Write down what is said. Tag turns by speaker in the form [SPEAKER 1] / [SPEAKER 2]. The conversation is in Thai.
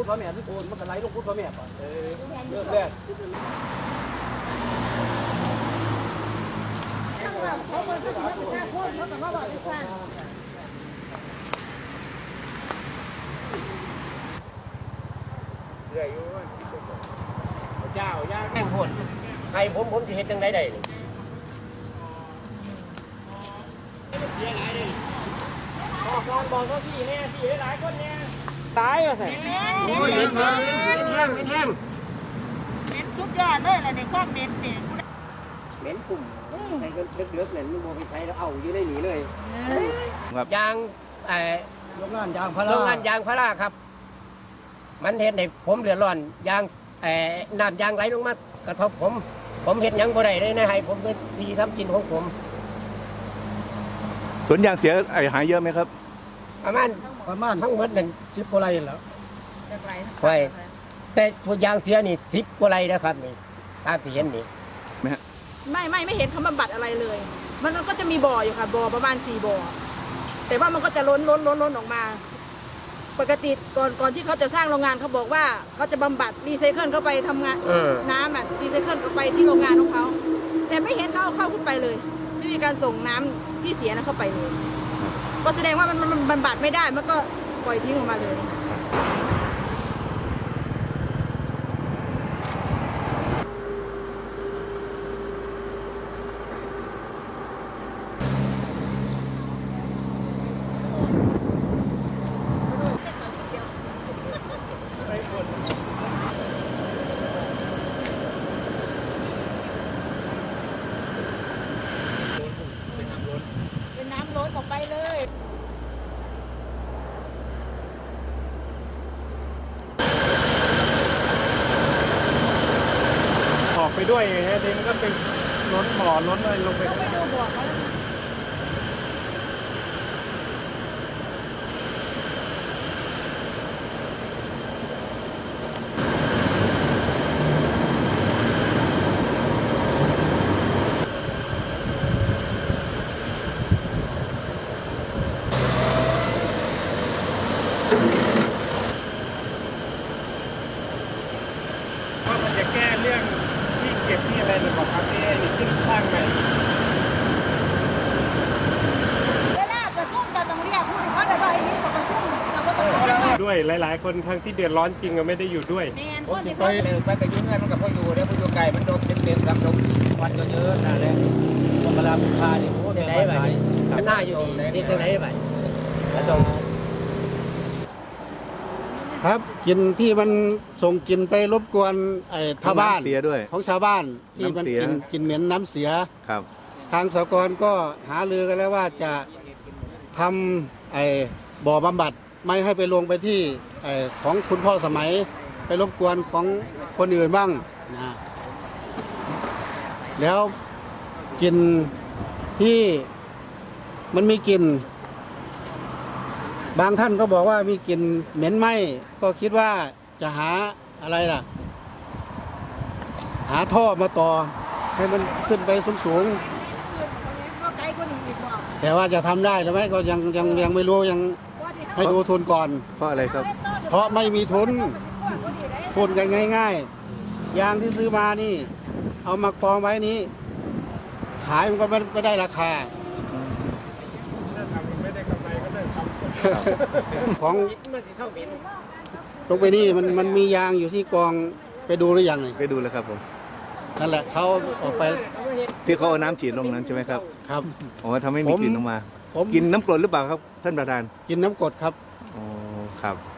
[SPEAKER 1] พ่อแม่ทุกคนมันก็ไหลลงพุทธพ่อแม่ก่อนเริ่มแรกเขาเปิดเขาถึงจะแค่พูดเขาแต่ว่าบอกไม่ฟังเรื่อยอยู่เจ้าย่าแก้งพูดใครผมจะเห็นจังไดได้เสียหลายเลยบอกเขาที่แน่ที่หลายคนแน่ตายว่ะสิโอ้ยเป็นแห้ง
[SPEAKER 2] เป็นสุดยอดเลยอะไรในความเหม็นเนี่ย
[SPEAKER 1] เหม็นกลุ่มใส่เลือกๆเนี่ยมันโมไปใช้แล้วเอาอยู่ได้หนีเลยยางโรงงานยางพาราครับมันเห็นในผมเดือดร้อนยางน้ำยางไหลลงมากระทบผมเห็นยังบ่ได้เลยนะให้ผมเป็นทีทำกินของผม
[SPEAKER 3] สวนยางเสียหายเยอะไหมครับ
[SPEAKER 1] ประมาณทั้งหมดนั่น10 กว่าไร่แล้วใช่แต่ตัวยางเสียนี่10 กว่าไร่นะครับนี่ตามที่เห็นนี่
[SPEAKER 2] ไม่เห็นเขาบำบัดอะไรเลยมันก็จะมีบ่ออยู่ค่ะบ่อประมาณ4 บ่อแต่ว่ามันก็จะล้นออกมาปกติก่อนที่เขาจะสร้างโรงงานเขาบอกว่าเขาจะบำบัดรีไซเคิลเข้าไปทำงานน้ำรีไซเคิลเข้าไปที่โรงงานของเขาแต่ไม่เห็นเขาเข้าขึ้นไปเลยไม่มีการส่งน้ำที่เสียนั้นเข้าไปเลยก็แสดงว่ามันบำบัดไม่ได้มันก็ปล่อยทิ้งออกมาเลยเป็นน้ำล้นออกไปเลย
[SPEAKER 4] ออกไปด้วยฮะทีมันก็เป็นล้นบ่อล้นอะไรลงไป
[SPEAKER 2] ต้องไปดูบ่อเขา
[SPEAKER 4] ว่ามันจะแก้เรื่องที่เก็บที่อะไรหรือเปล่าครับที่ขึ้นสร้างใหม่
[SPEAKER 2] เวลาประชุมจะต้องเรียกผู้ที่เขาได้ใบนี้มาประชุมเราก็ต้อง
[SPEAKER 4] ด้วยหลายๆคนทั้งที่เดือดร้อนจริงก็ไม่ได้อยู่ด้วย
[SPEAKER 1] ผมสิไปกระยุ่งเงินมันกับพ่ออยู่แล้วพ่ออยู่ไก่มันโดนเต็มซ้ำลงวันเยอะๆนั่นแหละเวลาเป็นพาเนี่ยโอ้จะได้ไหมมันน่าอยู่ดีจะได้ไหมครับกินที่มันส่งกินไปรบกวนชาวบ้าน
[SPEAKER 3] เสียด้วย
[SPEAKER 1] ของชาวบ้านที่มันกินเหม็นน้ำเสีย
[SPEAKER 3] ครับ
[SPEAKER 1] ทางสหกรณ์ก็หารือกันแล้วว่าจะทำบ่อบำบัดไม่ให้ไปลงไปที่ของคุณพ่อสมัยไปรบกวนของคนอื่นบ้างนะแล้วกินที่มันมีกลิ่นบางท่านก็บอกว่ามีกลิ่นเหม็นไหม้ก็คิดว่าจะหาอะไรล่ะหาท่อมาต่อให้มันขึ้นไปสูงๆแต่ว่าจะทำได้หรือไม่ก็ยังไม่รู้ยังให้ดูทุนก่อน
[SPEAKER 3] เพราะอะไรครับ
[SPEAKER 1] เพราะไม่มีทุนพูดกันง่ายๆยางที่ซื้อมานี่เอามากองไว้นี้ขายมันก็ไม่ได้ราคาของลงไปนี่มันมียางอยู่ที่กองไปดูหรือยัง
[SPEAKER 3] ไปดูแล้วครับผม
[SPEAKER 1] นั่นแหละเขาออกไป
[SPEAKER 3] ที่เขาเอาน้ำฉีดลงนั้นใช่ไหมครับ
[SPEAKER 1] ครับ
[SPEAKER 3] โอ้ทำให้มีกลิ่นออกมากินน้ำกรดหรือเปล่าครับท่านประธาน
[SPEAKER 1] กินน้ำกรดครับ
[SPEAKER 3] โอ้ครับ